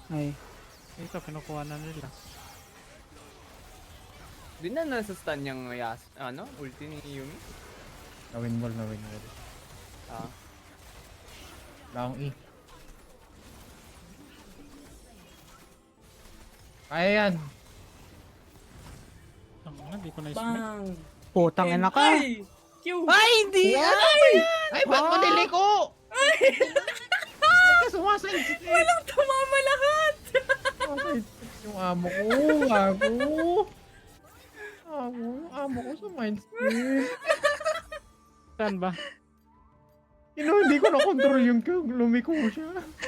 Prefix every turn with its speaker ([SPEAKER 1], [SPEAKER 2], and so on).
[SPEAKER 1] Ay. Ito, kinukuha na nila.
[SPEAKER 2] Di na nasa stun yung ulti ni Yumi.
[SPEAKER 3] Nawin wall.
[SPEAKER 2] Ah.
[SPEAKER 3] Wala akong E. Kaya yan.
[SPEAKER 1] Ang di ko na-smite.
[SPEAKER 4] Bang!
[SPEAKER 1] Putang ina ka.
[SPEAKER 4] Ay! Q!
[SPEAKER 1] Ay, hindi!
[SPEAKER 3] Ay, ba't mo niliko? Ay! Sumasensitive.
[SPEAKER 4] Walang tumama lahat!
[SPEAKER 3] Sumasensitive yung amo ko. Gago. Yung amo ko sumasensitive.
[SPEAKER 1] Saan ba?
[SPEAKER 3] Hindi ko na-control yung lumiko siya.